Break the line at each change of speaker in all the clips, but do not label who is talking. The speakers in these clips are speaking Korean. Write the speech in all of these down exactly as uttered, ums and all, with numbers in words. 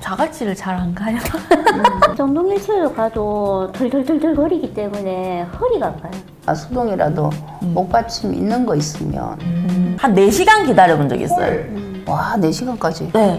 자갈치를 잘 안 가요.
음. 정동일체로 가도 덜덜덜덜 거리기 때문에 허리가 아파요.
아, 수동이라도
음.
목받침 있는 거 있으면
음. 한 네 시간 기다려본 적 있어요.
음.
와, 네 시간까지.
네.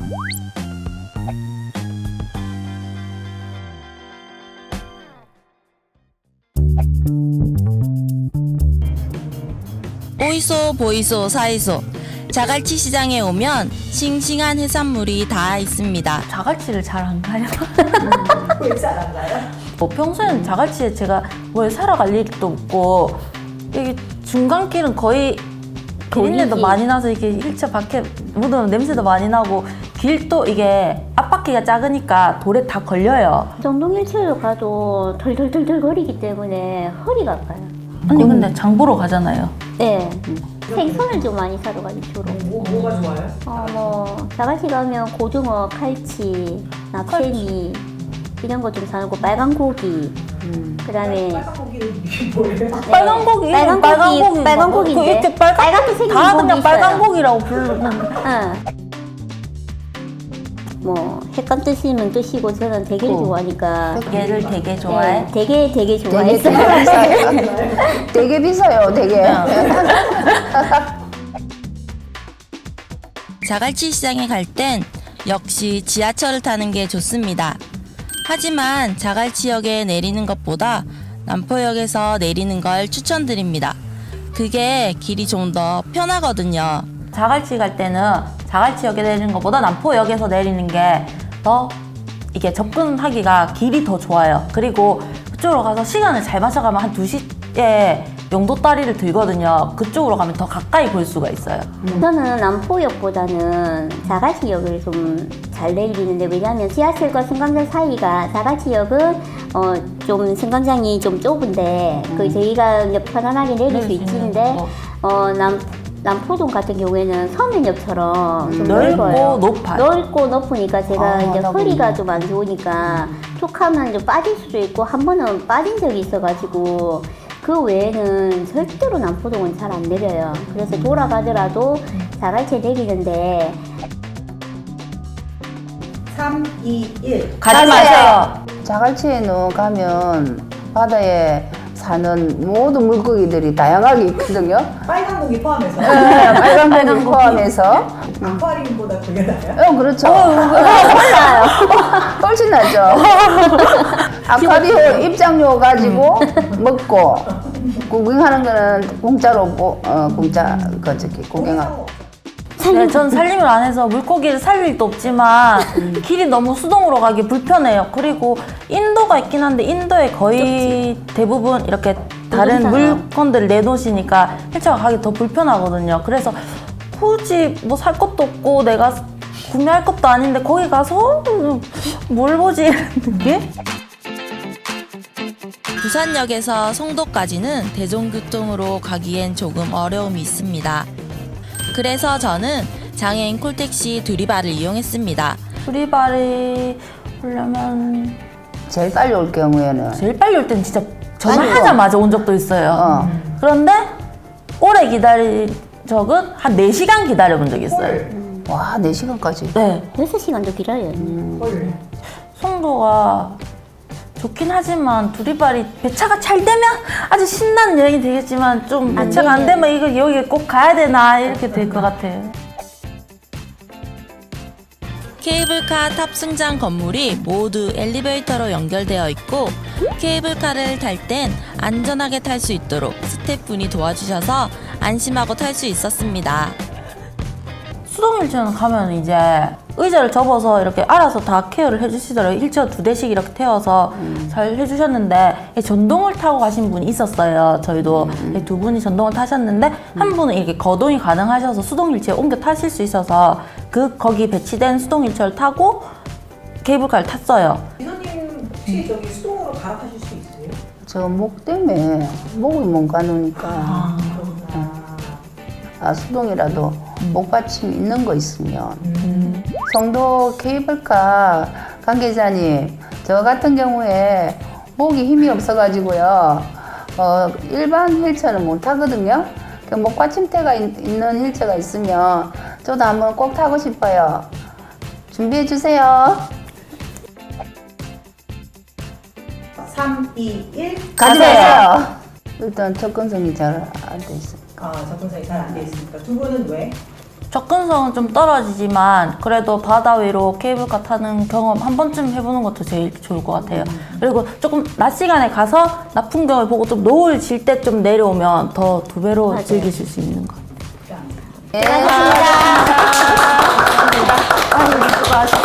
오이소 보이소 사이소 자갈치 시장에 오면 싱싱한 해산물이 다 있습니다.
자갈치를 잘 안 가요.
왜 잘 안 가요?
뭐 평소에는 자갈치에 제가 뭘 사러 갈 일도 없고 이게 중간길은 거의 비린내도
거리지.
많이 나서 이게 일차 밖에 묻으면 냄새도 많이 나고 길도 이게 앞바퀴가 작으니까 돌에 다 걸려요.
정동일체로 가도 덜덜덜덜 거리기 때문에 허리가 아파요.
언니 근데 장 보러 가잖아요.
네. 생선을 좀 많이 사러 가죠, 주로.
뭐, 뭐가 좋아요?
어, 뭐, 자갈치 가면 고등어, 칼치, 나페미, 이런 거 좀 사고, 빨간 고기,
음.
그 다음에.
빨간 고기는 이게 뭐예요?
빨간 고기,
빨간 고기, 빨간
그
고기인데.
이렇게 빨간
빨갛게 생긴
다
고기
그냥 빨간
있어요.
고기라고 부르는.
응. 뭐, 햇감 드시면 드시고, 저는 대게를
어.
좋아하니까.
얘를 되게 좋아해.
네, 되게 되게
되게,
좋아했어요.
되게 비싸요. 되게 비싸요, 되게.
자갈치 시장에 갈 땐 역시 지하철을 타는 게 좋습니다. 하지만 자갈치역에 내리는 것보다 남포역에서 내리는 걸 추천드립니다. 그게 길이 좀 더 편하거든요.
자갈치 갈 때는 자갈치역에 내리는 것보다 남포역에서 내리는 게 더 이게 접근하기가 길이 더 좋아요. 그리고 그쪽으로 가서 시간을 잘 맞춰가면 한 두 시에 용도다리를 들거든요. 그쪽으로 가면 더 가까이 볼 수가 있어요.
저는 남포역보다는 자갈치역을 좀 잘 내리는데, 왜냐하면 지하철과 승강장 사이가, 자갈치역은 어, 좀 승강장이 좀 좁은데 그 저희가 이제 편안하게 내릴 수 있는데, 어, 남 남포동 같은 경우에는 서면역처럼 좀
넓고
넓어요.
높아요.
넓고 높으니까 제가
아,
이제
하다
허리가
보니.
좀 안 좋으니까 툭하면 좀 빠질 수도 있고, 한 번은 빠진 적이 있어가지고 그 외에는 절대로 남포동은 잘 안 내려요. 그래서 돌아가더라도 자갈치에 내리는데.
삼, 이, 일.
가지 마세요.
자갈치에는 가면 바다에 사는 모든 물고기들이 다양하게 있거든요.
빨간 고기 포함해서.
네, 빨간
빨간
고기
고기.
포함해서.
아쿠아리움보다 그게 나아요?
어, 그렇죠.
몰라요.
훨씬 낫죠. 아쿠아리움 입장료 가지고 먹고 구경하는 거는 공짜로 뭐, 어, 공짜 그 저기 구경하고.
네, 전 살림을 안 해서 물고기를 살릴 일도 없지만 길이 너무 수동으로 가기 불편해요. 그리고 인도가 있긴 한데 인도에 거의 대부분 이렇게 다른
무동산이요.
물건들을 내놓으시니까 헬차가 가기 더 불편하거든요. 그래서 굳이 뭐 살 것도 없고 내가 구매할 것도 아닌데 거기 가서 뭘 보지 이런 느낌?
부산역에서 송도까지는 대중교통으로 가기엔 조금 어려움이 있습니다. 그래서 저는 장애인 콜택시 두리바를 이용했습니다.
두리발이 오려면
제일 빨리 올 경우에는
제일 빨리 올 때는 진짜 전화하자마자 온 적도 있어요.
어.
그런데 오래 기다린 적은 한 네 시간 기다려본 적이 있어요.
와, 네 시간까지.
네.
여섯 시간도 길어요.
헐.
송도가 좋긴 하지만 두리발이 배차가 잘 되면 아주 신나는 여행이 되겠지만 좀
안
배차가 안
되면.
되면 이거 여기 꼭 가야 되나 이렇게 될 것 같아요.
케이블카 탑승장 건물이 모두 엘리베이터로 연결되어 있고 케이블카를 탈 땐 안전하게 탈 수 있도록 스태프분이 도와주셔서 안심하고 탈 수 있었습니다.
수동 휠체어는 가면 이제 의자를 접어서 이렇게 알아서 다 케어를 해주시더라고요. 휠체어 두 대씩 이렇게 태워서 잘 해주셨는데 전동을 타고 가신 분이 있었어요. 저희도 두 분이 전동을 타셨는데 한 분은 이렇게 거동이 가능하셔서 수동 휠체어 옮겨 타실 수 있어서 그 거기 배치된 수동 휠체어를 타고 케이블카를 탔어요.
이선님 혹시 저기 수동으로 갈아타실 수 있어요?
저 목 때문에 목을 못 가누니까
그렇구나.
아, 수동이라도 목받침 있는 거 있으면.
음.
송도 케이블카 관계자님, 저 같은 경우에 목이 힘이 없어가지고요, 어, 일반 휠체어는 못 타거든요. 그 목받침대가 있, 있는 휠체어가 있으면 저도 한번 꼭 타고 싶어요. 준비해 주세요.
삼, 이, 일.
가세요. 일단 접근성이 잘 안 돼 있으니까.
아, 접근성이 잘 안 돼 있으니까. 두 분은 왜?
접근성은 좀 떨어지지만 그래도 바다 위로 케이블카 타는 경험 한 번쯤 해보는 것도 제일 좋을 것 같아요. 그리고 조금 낮 시간에 가서 낮 풍경을 보고 좀 노을 질 때 좀 내려오면 더 두 배로
맞아요.
즐기실 수 있는 것 같아요.
네. 수고하셨습니다.